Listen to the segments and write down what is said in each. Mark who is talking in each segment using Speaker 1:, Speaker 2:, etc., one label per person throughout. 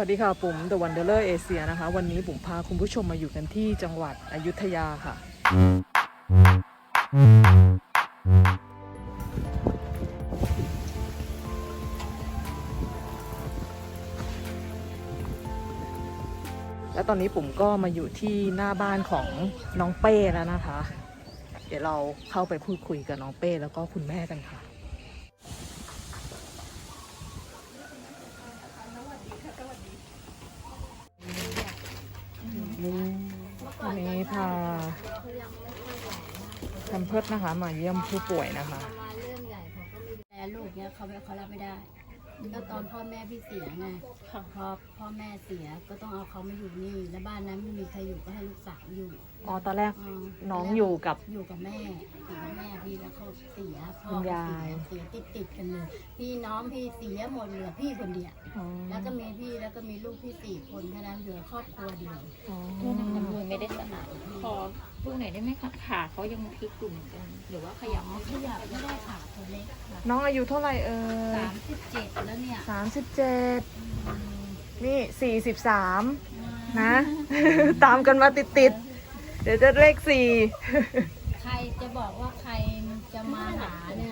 Speaker 1: วัสดีค่ะปุ๋ม The Wanderer Asia นะคะ วันนี้ปุ๋มพาคุณผู้ชมมาอยู่กันที่จังหวัดอยุธยาค่ะ และตอนนี้ปุ๋มก็มาอยู่ที่หน้าบ้านของน้องเป้แล้วนะคะ เดี๋ยวเราเข้าไปพูดคุยกับน้องเป้แล้วก็คุณแม่กันค่ะวันนี้พาแพมเพิร์สนะคะมาเยี่ยมผู้ป่วยนะคะ
Speaker 2: มาเรื่องใหญ่เขาก็ไม่ดูแลลูกเนี้ยเขารับไม่ได้ก็ตอนพ่อแม่พี่เสียไงพอพ่อแม่เสียก็ต้องเอาเขามาอยู่นี่แล้วบ้านนั้นไม่มีใครอยู่ก็ให้ลูกสาวอยู่
Speaker 1: อ๋อตอนแรกน้องอยู่กับ
Speaker 2: แม่อยู่กับแม่พี่แล้วเขาเสียพ่อ
Speaker 1: คุณยาย
Speaker 2: เสียติดกันเลยพี่น้องพี่เสียหมดเหลือพี่คนเดียวแล้วก็มีพี่แล้วก็มีลูกพี่4 คนแค่นั้นเหลือครอบครัวเดียว
Speaker 3: โทษนะคะมือไม่ได้สนานขอพูดหน่อยได้ไหมคะขาเขายังพลิกอยู่เหมือนกันหรือว่าขยับ
Speaker 2: ขยับไม่ได้ขาตัวเล็กค่ะ
Speaker 1: น้องอายุเท่าไหร่
Speaker 2: 37แล้วเนี่ย
Speaker 1: 37นี่43นะตามกันมาติดๆเดี๋ยวจะเลข4
Speaker 2: ใครจะบอกว่าใครจะมาหาเนี่ย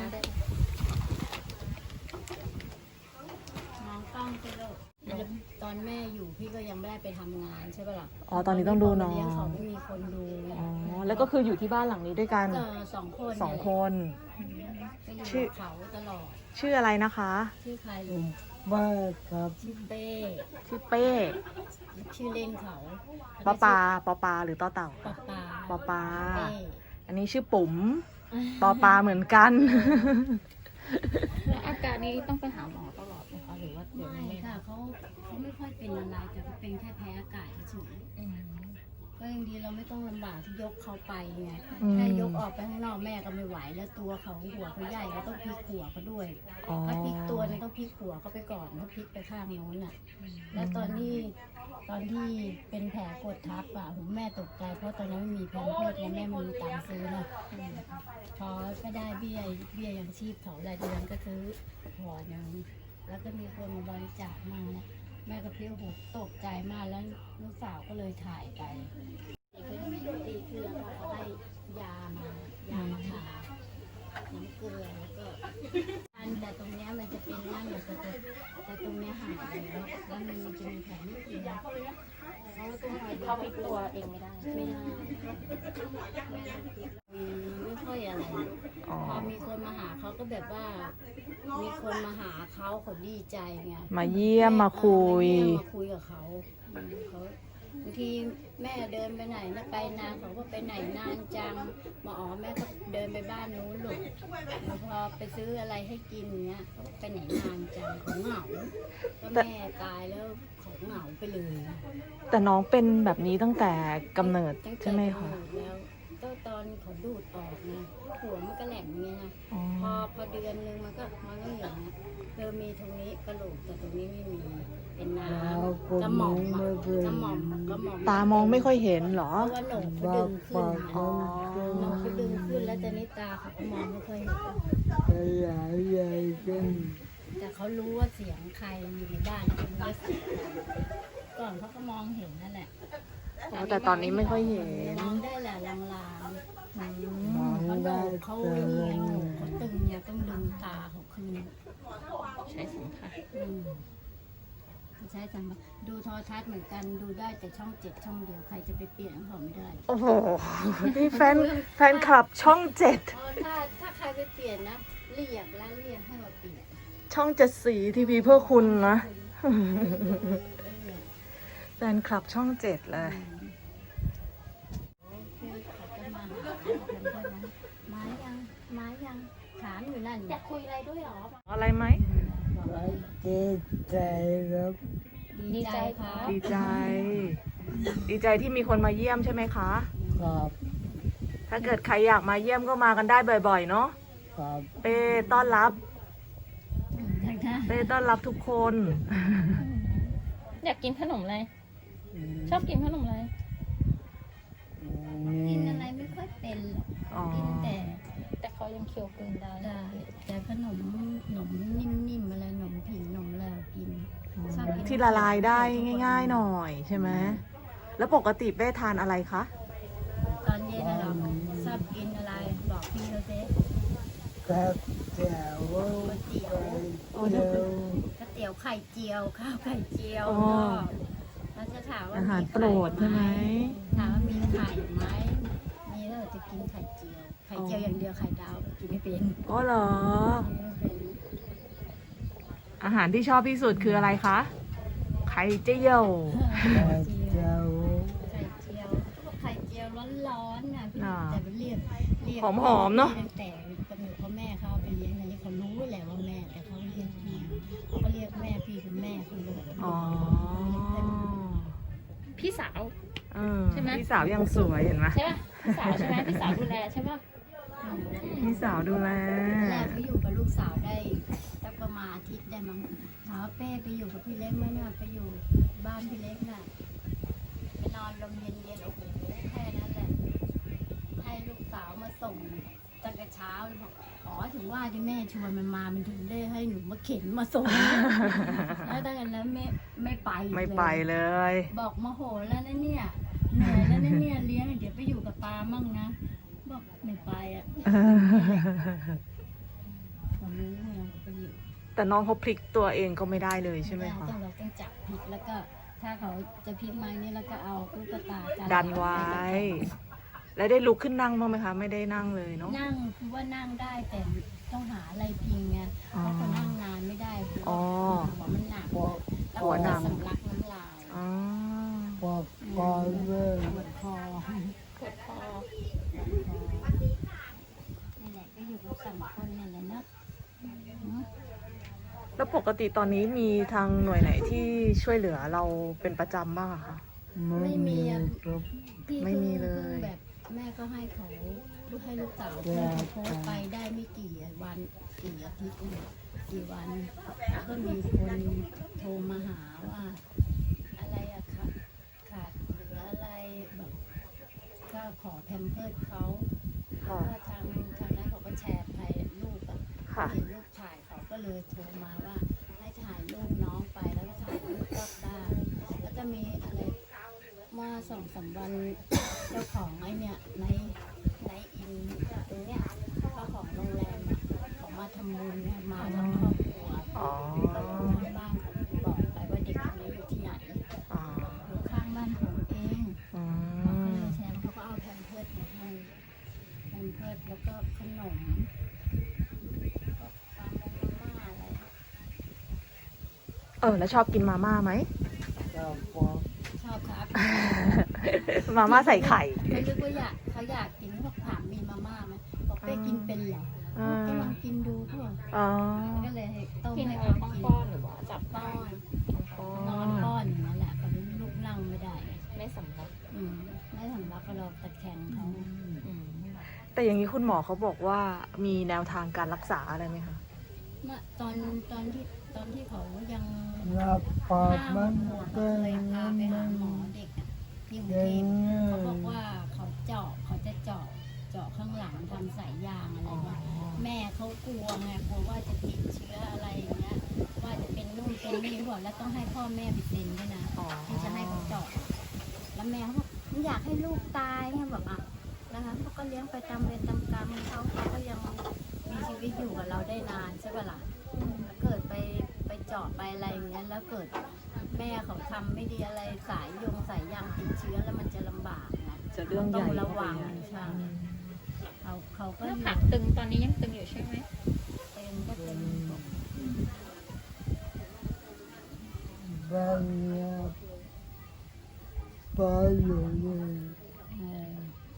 Speaker 2: น้องต้องไปโลกตอนแม่อยู่พี่ก็ยังไม่ได้ไปทำงานใช่ปะล่ะ
Speaker 1: อ๋อตอนนี้ต้องดูน้อง
Speaker 2: เลี้ยงเขาไม่มีคนดู
Speaker 1: อ๋อแล้วก็คืออยู่ที่บ้านหลังนี้ด้วยกัน
Speaker 2: 2 คน
Speaker 1: 2 คน
Speaker 2: ก็อยู่กับเขาตลอด
Speaker 1: ชื่ออะไรนะคะ
Speaker 2: ชื่อใครลูก
Speaker 4: บ้าครับ
Speaker 2: ชื่อเป้
Speaker 1: ชื่อเป้
Speaker 2: ชื่อเล่นเขา
Speaker 1: ปอปาหรือต่อเต่า
Speaker 2: ปอปา
Speaker 1: ปอปา
Speaker 2: เป้
Speaker 1: อันนี้ชื่อปุ๋มปอปาเหมือนกัน
Speaker 3: แล้วอาการนี้ต้องไปหาหมอตลอดไหมคะหรือว่าเดี๋ยว
Speaker 2: ไม่
Speaker 3: นี้
Speaker 2: ค่ะเขาไม่ค่อยเป็นอะไรแต่เขาเป็นแค่แพ้อากาศเฉยก็ยังดีเราไม่ต้องลำบากที่ยกเขาไปไงแค่ยกออกไปข้างนอกแม่ก็ไม่ไหวแล้วตัวเขาหัวเขาใหญ่ก็ต้องพลิกหัวเขาด้วย
Speaker 1: อ๋อ
Speaker 2: ถ้าพลิกตัวนี่ต้องพลิกหัวเขาไปก่อนแล้วพลิกไปข้างโน้นน่ะแล้วตอนที่เป็นแผลกดทับอ่ะผมแม่ตกใจเพราะตอนนั้นไม่มีแพมเพิร์สไงแม่ไม่มีตังค์ซื้อนะพอก็ได้เบี้ยยังชีพเขารายเดือนก็ซื้อหัวนึงแล้วก็มีคนมาบริจาคมาแม่ก็เพี้ยวหัวตกใจมากแล้วลูกสาวก็เลยถ่ายไปดีขึ้นแล้วก็เขาให้ยามาทาน้ำเกลือแล้วก็แต่ตรงเนี้ยมันจะเป็นร่างอยู่แต่ตรงเนี้ยหายแล้วมันจะมีแผลนิดเดียวเขาต้องคอยดู
Speaker 3: เขาพลิกตัวเองไม่ได้
Speaker 2: ไม่ได้ไม่ค่อยอะไร
Speaker 1: อ๋อ
Speaker 2: พอมีคนมาหาเขาก็แบบว่า มีคนมาหาเขาดีใจไง
Speaker 1: มาเยี่ยมมาคุย
Speaker 2: มาคุยกับเขาเขาบางทีแม่เดินไปไหนนะไปนานเขาก็ไปไหนนานจังมาอ๋อแม่ก็เดินไปบ้านนู้นลูกแล้วพอไปซื้ออะไรให้กินเนี้ยเขาไปไหนนานจังเขาเหงาก็แม่ตายแล้วเขาเหงาไปเลย
Speaker 1: แต่น้องเป็นแบบนี้ตั้งแต่กำเนิด
Speaker 2: ตั้งแต่
Speaker 1: ใช่ไหมคะ
Speaker 2: กำเนิดแล้วก็ตอนเขาดูดออกนะหัวมันก็แหลมอย่างเงี้ยนะ
Speaker 1: อ๋อ
Speaker 2: พอเดือนนึงมันก็อย่างเงี้ยมีตรงนี้กระโหลกแต่ตรงนี้ไม่มีเป็นน้ำกระหม่อม
Speaker 1: ตามองไม่ค่อยเห็นเหรอ
Speaker 2: เพราะว่าโหนกเขาดึงขึ้น
Speaker 1: อ๋อ
Speaker 2: โหนกเขาดึงขึ้นแล้วตอนนี้ตาเขาก็มองไม่ค่อยเห็น
Speaker 4: ขยายใหญ่ขึ้น
Speaker 2: แต่เขารู้ว่าเสียงใครอยู่ในบ้านเขารู้ว่าเสียงใครก่อนเขาก็มองเห็นนั่นแหละ
Speaker 1: อ๋อแต่ตอนนี้ไม่ค่อยเห็น
Speaker 2: มองได้แหละลาง
Speaker 4: มอง
Speaker 2: ๆเขาโหน
Speaker 4: ได้
Speaker 2: กเขา
Speaker 4: แต่
Speaker 2: เงีย
Speaker 4: ว่า
Speaker 2: โหนกเขาตึงเนี่ยต้องดึงตาเขาคืน
Speaker 3: ใช้สัมผัส
Speaker 2: ใช่จังดูโทรทัศน์เหมือนกันดูได้แต่ช่อง7 ช่องเดียวใครจะไปเปลี่ยนของเขาไม่ได้
Speaker 1: โอ้โห นี่แฟนคลับช่อง
Speaker 2: ถ้าใครไปเปลี่ยนนะเรียกให้มาเปลี่ยน
Speaker 1: 7ช่อง7สีทีวีเพื่อคุณนะ แฟนคลับช่อง7เลย
Speaker 2: เขาจะมาหามายังถามอยู่นั่น
Speaker 3: อยากคุยอะไรด้วยหรอ
Speaker 1: อะไรไหม
Speaker 4: ดีใจครับ
Speaker 2: ดีใจครับ
Speaker 1: ดีใจ ดีใจที่มีคนมาเยี่ยมใช่ไหมคะ
Speaker 4: ครับ
Speaker 1: ถ้าเกิดใครอยากมาเยี่ยมก็มากันได้บ่อยๆ เนาะ
Speaker 4: ครับ
Speaker 1: เป้ต้อนรับ
Speaker 2: นะ
Speaker 1: เป้ต้อนรับทุกคน
Speaker 3: อยากกินขนมอะไรชอบกินขนมอะไร
Speaker 2: กินอะไรไม่ค่อยเป็นหรอก
Speaker 1: อ๋อ
Speaker 2: กิน
Speaker 3: แต่เขายังเคี้ยวกลืนได้
Speaker 2: แต่ขนมนิ่มๆอะไรขนมผิงขนมอะไรกินชอบกิน
Speaker 1: ที่ละลายได้ง่ายๆหน่อยใช่ไหมแล้วปกติเป้ทานอะไรคะ
Speaker 2: ตอนเย็นน่ะเราชอบกินอะไรบอกพี่เขาสิ
Speaker 4: กับแจ๋ว
Speaker 2: ก๋วยเตี๋ยว
Speaker 4: เจียว
Speaker 2: ก๋วยเตี๋ยวไข่เจียวข้าวไข่เจียว
Speaker 1: อ๋อ
Speaker 2: ก็แล้วจะถามว่า
Speaker 1: อาหาร
Speaker 2: มี
Speaker 1: โปรดใช่ไหม
Speaker 2: ถามว่ามีไข่ไหมมีแล้วจะกินไข่เจียวไข่เจียวอย่างเดียวไข่ดาวกินไม่เป็น
Speaker 1: อ๋อเหรอ
Speaker 2: กินไม่เป็น
Speaker 1: อาหารที่ชอบที่สุดคืออะไรคะ ไข่เจียว
Speaker 4: กับแจ๋ว
Speaker 2: ไข่เจียวเขาบอกไข่เจียวร้อนๆน่ะพี่
Speaker 1: อ่า
Speaker 2: แต่มันเรียก
Speaker 1: หอมๆเนอะ
Speaker 2: ตั้งแต่กำเนิดพ่อแม่เขาเอาไปเลี้ยงอันนี้เขารู้แหละว่าแม่แต่เขาเรียกพี่เขาก็เรียกแม่พี่เป็นแม่เขาเลย
Speaker 1: อ๋อ
Speaker 3: พี่สาว
Speaker 1: เออ
Speaker 3: ใช่ไหม
Speaker 1: พี่สาวยังสวยเห็นไหม
Speaker 3: ใช่ป่ะพี่สาวใช่ไหมพี่สาวดูแลใช่ป่ะ
Speaker 1: พี่สาวดูแล
Speaker 2: แรกเขาอยู่กับลูกสาวได้สักประมาณอาทิตย์ได้มั้งถามว่าเป้ไปอยู่กับพี่เล็กไหมเนี่ยไปอยู่บ้านพี่เล็กน่ะไปนอนลมเย็นๆโอ้โหแค่นั้นแหละให้ลูกสาวมาส่งตั้งแต่เช้าเลยบอกอ๋อถึงว่าที่แม่ชวนมันมามันถึงได้ให้หนูมาเข็นมาส่ง แล้วตั้งแต่นั้นไม่ไปอีก
Speaker 1: ไม่ไปเลย
Speaker 2: บอกมาโหแล้วนะเนี่ยเหนื่อยแล้วนะเนี่ยเลี้ยงเดี๋ยวไปอยู่กับปามั่งนะบอกไม่ไปอ่ะผมรู้ไงไปอยู่
Speaker 1: แต่น้องเขาพลิกตัวเองก็ไม่ได้เลยใช่ไหมคะ
Speaker 2: เราต้องจับผิดแล้วก็ถ้าเขาจะพลิกไม้นี่แล้วก็เอาลูกตากัน
Speaker 1: ดันไว้ แล้วได้ลุกขึ้นนั่งบ้างไหมคะ ไม่ได้นั่งเลยเนาะ
Speaker 2: นั่งคือว่านั่งได้แต่ต้องหาอะไรพิงไงเพราะเขานั่งนานไม่ได้คือ
Speaker 1: อ๋อ
Speaker 2: หัวมันหนักแล้ว
Speaker 1: หัวหนัก
Speaker 2: สำลักน้ำลาย
Speaker 1: อ๋อ
Speaker 4: ปอกคอเลย
Speaker 2: ปวดคอ
Speaker 3: ปวดคอ
Speaker 2: นี่แหละก็อยู่กับสองคนนี่แหละเนอะ
Speaker 1: แล้วปกติตอนนี้มีทางหน่วยไหนที่ช่วยเหลือเราเป็นประจำบ้างอะคะ
Speaker 4: ไม่มีครับ
Speaker 2: พี่
Speaker 1: ไม่มีเลย
Speaker 2: แบบแม่ก็ให้เขาลูกให้ลูกสาวเพื่อนเขาโพสต์ไปได้ไม่กี่วันกี่อาทิตย์เนี่ยกี่วันก็มีคนโทรมาหาว่า อะไรอะขาดเหลืออะไรแบบก็ขอแพมเพิร์สเขา
Speaker 1: ค่ะ
Speaker 2: ก็ทางนั้นเขาก็แชร์ไปลูกอะ
Speaker 1: ค่ะ
Speaker 2: เห็นลูกถ่ายเขาก็เลยโทรมาว่าให้ถ่ายรูปน้องไปแล้วก็ถ่ายรูปรอบบ้านแล้วก็มีอะไรเมื่อ2-3 วัน เจ้าของไอ้เนี่ยในอินตรงเนี้ยเจ้าของโรงแรมอะเขามาทำบุญเนี่ยมาทั้งครอบครัว
Speaker 1: อ๋อ
Speaker 2: ก็ทางบ้านเขาบอกไปว่าเด็กคนนี้อยู่ที่ไหน
Speaker 1: อ๋อ
Speaker 2: อยู่ข้างบ้านผมเอง
Speaker 1: อื
Speaker 2: เขาก็
Speaker 1: ม
Speaker 2: เลยแชร์เขาก็เอาแพมเพิร์สมาให้แพมเพิร์สแล้วก็ขนมก็ปลาโมมาม่าอะไร
Speaker 1: แล้วชอบกินมาม่าไหม
Speaker 4: กับปอก
Speaker 2: ชอบครับ
Speaker 1: มาม่าใส่ไข่
Speaker 2: เขาคิดว่าเขาอยากกินเขาบอกถามมีมาม่าไหมบอกไปกินเป็นเหรอ
Speaker 1: อ่า
Speaker 2: ก็ลองกินดูเขาบอก
Speaker 1: อ๋อ
Speaker 2: ก็เลยให้ต้ม
Speaker 3: กิน
Speaker 2: ให้
Speaker 3: อะไร
Speaker 2: เขากิน
Speaker 3: ป้อนๆหรือว่าจับ
Speaker 2: ป้อน
Speaker 1: อ๋อน
Speaker 2: อนป้อนอย่างนั้นแหละเขาลุกนั่งไม่ได้
Speaker 3: ไม่สำลัก
Speaker 2: ไม่สำลักก็เราตะแคงเขา
Speaker 3: อืม
Speaker 1: แต่อย่างนี้คุณหมอเขาบอกว่ามีแนวทางการรักษาอะไรไหมคะ
Speaker 2: เมื่อตอนที่เขายัง
Speaker 4: รับปอกมัน
Speaker 2: 5-6 ขวบ
Speaker 4: เป็
Speaker 2: เคย
Speaker 4: น
Speaker 2: พาไป
Speaker 4: มั
Speaker 2: หาน หมอเด็กอะที่กรุง
Speaker 4: เก่
Speaker 2: เท
Speaker 4: ง
Speaker 2: พเขาบอกว่าเขาจะเจาะข้างหลังทำสายยางอะไรเงี้ยแม่เขากลัวไงกลัวว่าจะติดเชื้ออะไรอย่างเงี้ยว่าจะเป็นนู่นเป็นนี่เขาบอกแล้วต้องให้พ่อแม่ไปเซ็นด้วยนะ
Speaker 1: อ๋อ
Speaker 2: ที่จะให้เขาเจาะแล้วแม่เขาบอกไม่อยากให้ลูกตายไงบอกอ่ะนะคะเขาก็เลี้ยงไปตามเวรตามกรรมเขาก็ยังมีชีวิตอยู่กับเราได้นานใช่ปะล่ะแล้วเกิดไปเจาะไปอะไรอย่างเงี้ยแล้วเกิดแม่เขาทำไม่ดีอะไรสายยางติดเชื้อแล้วมันจะลำบากนะ
Speaker 1: จะเรื่องใหญ่
Speaker 2: ต้องระวัง
Speaker 1: เข้าไป
Speaker 2: ใช่เขาก็
Speaker 3: ห
Speaker 2: อ
Speaker 3: น้า
Speaker 2: ยู่
Speaker 3: ผากตึงตอนนี้ยังตึงอยู่ใช่ไหม
Speaker 2: เป็นก็เป็น
Speaker 4: บ้านเนี่ยปออยู่นี่
Speaker 2: เออ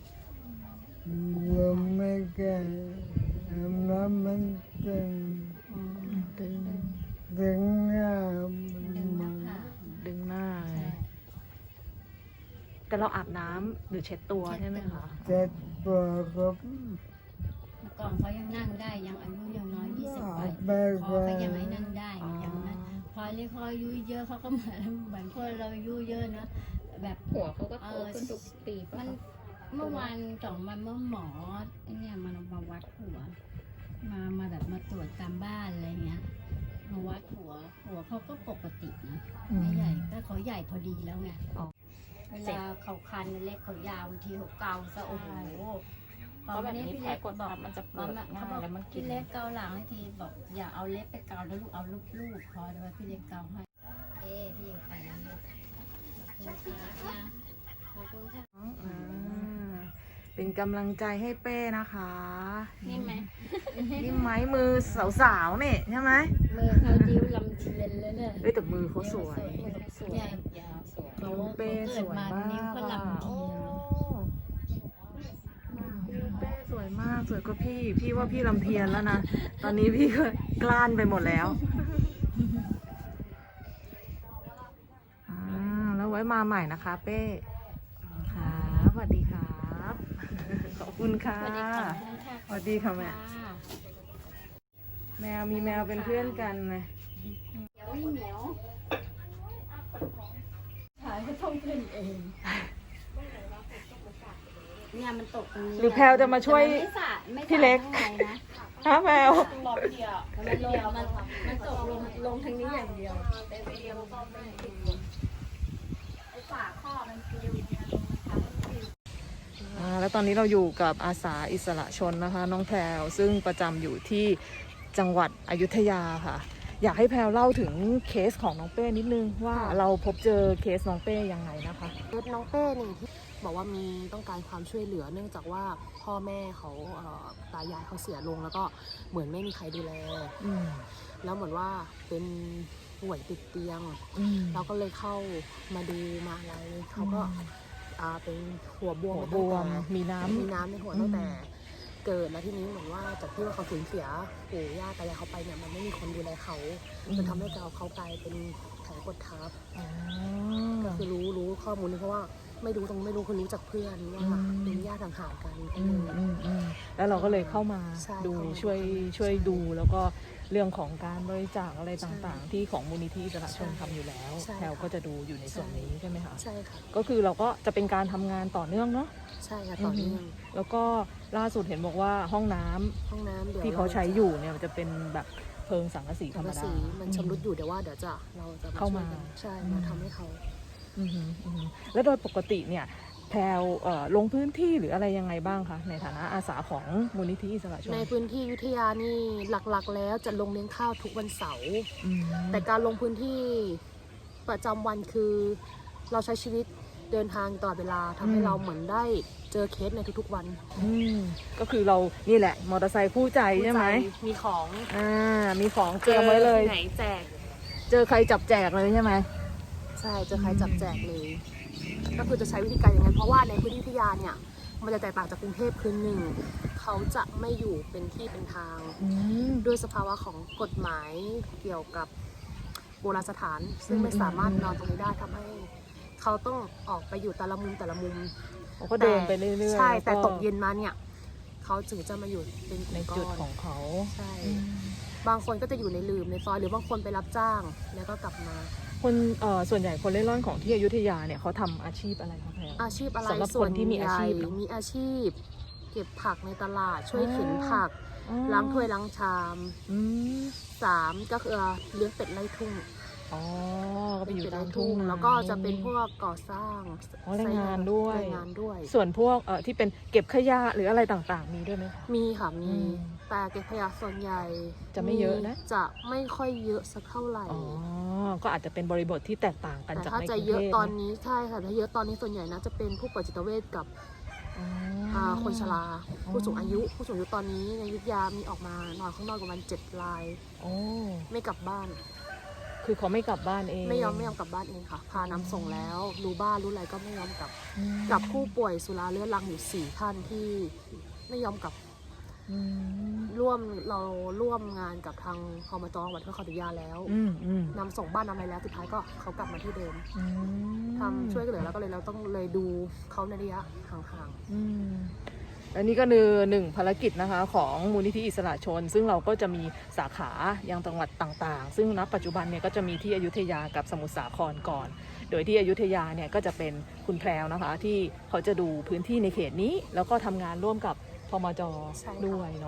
Speaker 4: ยังไม่แก่น้ำมันตึง
Speaker 2: อืม
Speaker 1: ดึง
Speaker 4: ดึงหน้า
Speaker 2: ดึงห
Speaker 4: มั
Speaker 2: น้าน ผาก
Speaker 1: ดึงหน้า
Speaker 2: ใช่
Speaker 1: แต่เราอาบน้ำหรือเช็ดตัวใช่ไหมคะ
Speaker 4: เจ็บปวดครับ
Speaker 2: เมื่อก่อนเขายังนั่งได้ยังอายุยังน้อย20
Speaker 4: แม่
Speaker 2: คอ
Speaker 4: ก็
Speaker 2: เขายังไม่นั่งได้อย่างนั้นพอเรียกเขาอายุเยอะเขาก็เหมือนพวกเราอายุเยอะนะแบบ
Speaker 3: หัวเขาก็โตขึ้นทุกปีปะ
Speaker 2: มัน
Speaker 3: คะ
Speaker 2: เมื่อวาน2 วันเมื่อหมอไอ้เนี่ยมันมาวัดหัวมาแบบมาตรวจตามบ้านอะไรเงี้ยมาวัดหัวเขาก็ปกตินะ
Speaker 1: อืม
Speaker 2: ไม่ใหญ่แต่เขาใหญ่พอดีแล้วไง
Speaker 1: อ๋อ
Speaker 2: เวลาเขาคันเล็กเขายาวบางทีเขาเกาซะโอ้โห
Speaker 3: เพราะแบบนี้แผลกดทับมันจะปวดง่ายแล้วมันกิ
Speaker 2: พี่
Speaker 3: น
Speaker 2: เล็กเกาหลังให้ทีบอกอย่าเอาเล็บไปเกาแล้วลูกเอาลูกพอแต่ว่าพี่เล็กเกาให้พี่ไปแล้วลูกขอบคุณค่ะขอบคุณค่ะ
Speaker 1: อ่าเป็นกำลังใจให้เป้นะคะ
Speaker 3: นี่ไหม
Speaker 1: นี่ไม้มือสาวๆเนี่ยใช่ไหม
Speaker 2: มือเขาดิ้วลำเทียนเลยเนี่ย
Speaker 1: เอ้ยแต่มือเขาสวย
Speaker 3: สวยยาวสวย
Speaker 2: เขา
Speaker 1: เป้สวยมาก
Speaker 2: นิ้วเขาลำ
Speaker 1: โอ้
Speaker 2: เทียน
Speaker 1: เป้สวยมากสวยกว่าพี่ว่าพี่ลำเทียนแล้วนะ ตอนนี้พี่ก็กล้านไปหมดแล้วแล้วไว้มาใหม่นะคะเป้ครับสวัสดีครับ ขอบคุณค่ะ
Speaker 2: สวัสดีค่ะ
Speaker 1: สวัสดีค่ะแม่ แมวมีแมวเป็นเพื่อนกันนะ
Speaker 2: เหนียวถ่ายก็ต้องขึ้นเองเนี่ยมันตกตรงนี้
Speaker 1: หรือแพลวจะมาช่วย
Speaker 2: ไม่
Speaker 1: พี่เล็ก
Speaker 2: ข้างในนะ
Speaker 1: ฮะแมว
Speaker 2: มันลงมันตกลงทางนี้อย่างเดียวแต่เดียวไอ้ฝาข้อมันปลิว
Speaker 1: แล้วตอนนี้เราอยู่กับอาสาอิสระชนนะคะ น้องแพรวซึ่งประจำอยู่ที่จังหวัดอยุธยาค่ะ อยากให้แพรวเล่าถึงเคสของน้องเป้นิดนึงว่าเราพบเจอเคสน้องเป้ยังไงนะคะ
Speaker 5: เคสน้องเป้นี่ที่บอกว่ามีต้องการความช่วยเหลือเนื่องจากว่าพ่อแม่เขาตายายเขาเสียลงแล้วก็เหมือนไม่มีใครดูแล
Speaker 1: อืม
Speaker 5: แล้วเหมือนว่าเป็นป่วยติดเตียง
Speaker 1: อืม
Speaker 5: เราก็เลยเข้ามาดูมาอะไรเขาก็เป็นหัวบวม
Speaker 1: หัว
Speaker 5: มา
Speaker 1: บ
Speaker 5: ตั้ง
Speaker 1: ว
Speaker 5: แต่
Speaker 1: มมีน้ำ
Speaker 5: มีน้ำในหัวตั้งแต่เกิดแล้วทีนี้เหมือนว่าจากที่ว่าเขาสูญเสียปู่ย่าตายายเขาไปเนี่ยมันไม่มีคนดูแลเขาจนทำให้เขากลายเป็นแผลกดทับ
Speaker 1: อ๋อ
Speaker 5: คือรู้ข้อมูลนี้เพราะว่าไม่รู้คือรู้จากเพื่อนว่า
Speaker 1: อืม
Speaker 5: เป็นญาติห่างๆกัน
Speaker 1: แล้วเราก็เลยเข้ามา
Speaker 5: ใช่
Speaker 1: ดู
Speaker 5: เข้ามา
Speaker 1: ช่วยดูแล้วก็เรื่องของการบริจาคอะไรต่างๆ ที่ของมูลนิธิอิสระชนทำอยู่แล้ว
Speaker 5: ใช่
Speaker 1: แพลวก็จะดูอยู่ในส่วนนี้ใช่ไหมคะ
Speaker 5: ใช่ค่ะ
Speaker 1: ก็คือเราก็จะเป็นการทำงานต่อเนื่องเนาะ
Speaker 5: ใช่ค่ะต่อเนื่อง
Speaker 1: แล้วก็ล่าสุดเห็นบอกว่าห้องน้ำ
Speaker 5: ห้องน้ำเดี๋ยว
Speaker 1: ที่เขาใช้อยู่เนี่ยมันจะเป็นแบบเพลิงสังกะสีธ
Speaker 5: สั
Speaker 1: รง รม
Speaker 5: กะ
Speaker 1: ดา
Speaker 5: สีมันชำรุดอยู่เดี๋ยวว่าเดี๋ยวเราจะ
Speaker 1: เข้ามา
Speaker 5: ช่วยกันใช่มาทำให้เขา
Speaker 1: อือหืออือหือแล้วโดยปกติเนี่ยแพลวลงพื้นที่หรืออะไรยังไงบ้างคะในฐานะอาสาของมูลนิธิอิสระชน
Speaker 5: ในพื้นที่อยุธยานี่หลักๆ แล้วจะลงเลี้ยงข้าวทุกวันเสาร์
Speaker 1: อืม
Speaker 5: แต่การลงพื้นที่ประจำวันคือเราใช้ชีวิตเดินทางตลอดเวลาทำให้เราเหมือนได้เจอเคสในทุกๆวัน
Speaker 1: อืมก็คือเรานี่แหละมอเตอร์ไซค์คู่ใจใช่ไหม
Speaker 5: มีของ
Speaker 1: มีของเตรียมไว้เลย
Speaker 5: จอที่ไหนแจก
Speaker 1: เจอใครจับแจกเลยใช่ไหม
Speaker 5: ใช่จะใครจับแจกเลย ก็คือจะใช้วิธีการอย่างนั้นเพราะว่าในพื้นที่พัทยาเนี่ยมันจะแตกต่างจากกรุงเทพคือหนึ่งเขาจะไม่อยู่เป็นที่เป็นทาง
Speaker 1: อืม
Speaker 5: ด้วยสภาวะของกฎหมายเกี่ยวกับโบราณสถาน ซึ่งไม่สามารถนอนตรงนี้ได้ทำให้เขาต้องออกไปอยู่แต่ละมุม
Speaker 1: เขาก็เดินไปเรื่อยๆ
Speaker 5: ใช่แต่
Speaker 1: ล้ว
Speaker 5: ตกเย็นมาเนี่ยเขาถึงจะมาอยู่เป็น
Speaker 1: ใน
Speaker 5: ก้
Speaker 1: จุด
Speaker 5: อน
Speaker 1: ของเขา
Speaker 5: ใช่
Speaker 1: อืม
Speaker 5: บางคนก็จะอยู่ในลืมในซอยหรือบางคนไปรับจ้างแล้วก็กลับมา
Speaker 1: คนส่วนใหญ่คนเล่ร่อนของที่อยุธยาเนี่ยเขาทำอาชีพอะไรคะแพร
Speaker 5: อาชีพอะไร
Speaker 1: สำหรับ
Speaker 5: ส่
Speaker 1: ค
Speaker 5: วน
Speaker 1: นที่มีอาชีพ
Speaker 5: ใหญ่มีอาชีพ เก็บผักในตลาดช่วย
Speaker 1: อ๋อ
Speaker 5: เข็นผัก
Speaker 1: อ๋อ
Speaker 5: ล้างถ้วยล้างชาม
Speaker 1: อืม
Speaker 5: 3ก็คือเลี้ยงเป็ดไล่ทุ่ง
Speaker 1: อ๋อก็ไป
Speaker 5: เป็น
Speaker 1: อยู่
Speaker 5: เป็ด
Speaker 1: ตา
Speaker 5: ไล่
Speaker 1: มทุ่งนา
Speaker 5: แล้วก็จะเป็นพวกก่อสร้าง
Speaker 1: อ๋อแรงงานด้วย
Speaker 5: แรงงานด้วย
Speaker 1: ส่วนพวกที่เป็นเก็บขยะหรืออะไรต่างๆ มีด้วยไหมคะ
Speaker 5: มีค่ะมี
Speaker 1: อืม
Speaker 5: แต่เก็บขยะส่วนใหญ่
Speaker 1: จะไม่เยอะนะ
Speaker 5: จะไม่ค่อยเยอะสักเท่าไหร่
Speaker 1: อ๋อ ก็อาจจะเป็นบริบทที่แตกต่างกัน
Speaker 5: แต่
Speaker 1: จาก
Speaker 5: ถ้า
Speaker 1: ในก
Speaker 5: จะ
Speaker 1: รุง
Speaker 5: เยอะ
Speaker 1: เทพ
Speaker 5: ตอนนี้ใช่ค่ะถ้าเยอะตอนนี้ส่วนใหญ่นะจะเป็นผู้ป่วยจิตเวชกับ
Speaker 1: อ๋อ
Speaker 5: คนชรา
Speaker 1: อ๋อ
Speaker 5: ผู้สูงอายุตอนนี้ในอยุธยามีออกมานอนข้างนอกประมาณ7 ราย
Speaker 1: โอ้
Speaker 5: ไม่กลับบ้าน
Speaker 1: คือเขาไม่กลับบ้านเอง
Speaker 5: ไม่ยอมกลับบ้านเองค่ะ พานำส่งแล้วรู้บ้านรู้อะไรก็ไม่ยอมกลับ
Speaker 1: อืม
Speaker 5: กับผู้ป่วยสุราเรื้อรังอยู่4 ท่านที่ไม่ยอมกลับ
Speaker 1: อืม
Speaker 5: เราร่วมงานกับทางพมจังหวัดพระนครศรีอยุธยาแล้ว
Speaker 1: อืมอืม
Speaker 5: นำส่งบ้านนำอะไรแล้วสุดท้ายก็เขากลับมาที่เดิม
Speaker 1: อืม
Speaker 5: ทำช่วยกันเหลือแล้วก็เลยเราต้องเลยดูเขาในระยะห่าง
Speaker 1: อืมอันนี้ก็คือหนึ่งภารกิจนะคะของมูลนิธิอิสระชน ซึ่งเราก็จะมีสาขายังจังหวัดต่างๆ ซึ่งณปัจจุบันเนี่ยก็จะมีที่อยุธยากับสมุทรสาครก่อน โดยที่อยุธยาเนี่ยก็จะเป็นคุณแพรวนะคะ ที่เขาจะดูพื้นที่ในเขตนี้ แล้วก็ทำงานร่วมกับพมจด้วยเนาะ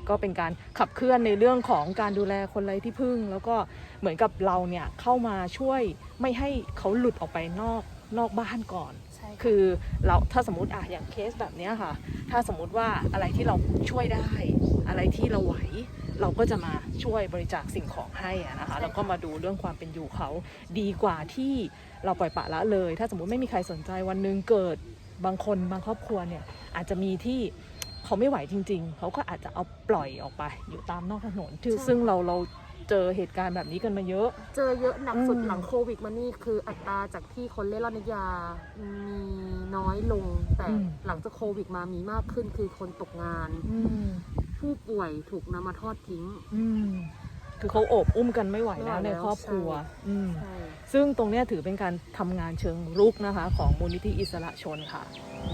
Speaker 1: ก็เป็นการขับเคลื่อนในเรื่องของการดูแลคนไร้ที่พึ่ง แล้วก็เหมือนกับเราเนี่ยเข้ามาช่วยไม่ให้เขาหลุดออกไปนอกบ้านก่อน
Speaker 5: ใช่ค่ะ
Speaker 1: คือเราถ้าสมมติอย่างเคสแบบเนี้ยค่ะ ถ้าสมมติว่าอะไรที่เราช่วยได้ อะไรที่เราไหว เราก็จะมาช่วยบริจาคสิ่งของให้อะนะคะ แล้วก็มาดูเรื่องความเป็นอยู่เขาดีกว่าที่เราปล่อยปละละเลย ถ้าสมมติไม่มีใครสนใจวันหนึ่งเกิดบางคนบางครอบครัวเนี่ยอาจจะมีที่เขาไม่ไหวจริง ๆ เขาก็อาจจะเอาปล่อยออกไปอยู่ตามนอกถนนซึ่งเราเจอเหตุการณ์แบบนี้กันมาเยอะ
Speaker 5: เจอเยอะหนักสุด
Speaker 1: อืม
Speaker 5: หลังโควิดมานี่คืออัตราจากที่คนเล่ร่อนยามีน้อยลง แต่หลังจากโควิดมามีมากขึ้นคือคนตกงาน ผู้ป่วยถูกนำมาทอดทิ้ง
Speaker 1: คือเขาโอบอุ้มกันไม่ไหวแล้ว
Speaker 5: ไม่ไหว
Speaker 1: ใน
Speaker 5: แล้ว
Speaker 1: ครอบครัว
Speaker 5: ใช่
Speaker 1: ซึ่งตรงเนี้ยถือเป็นการทำงานเชิงรุกนะคะของมูลนิธิอิสระชนค่ะ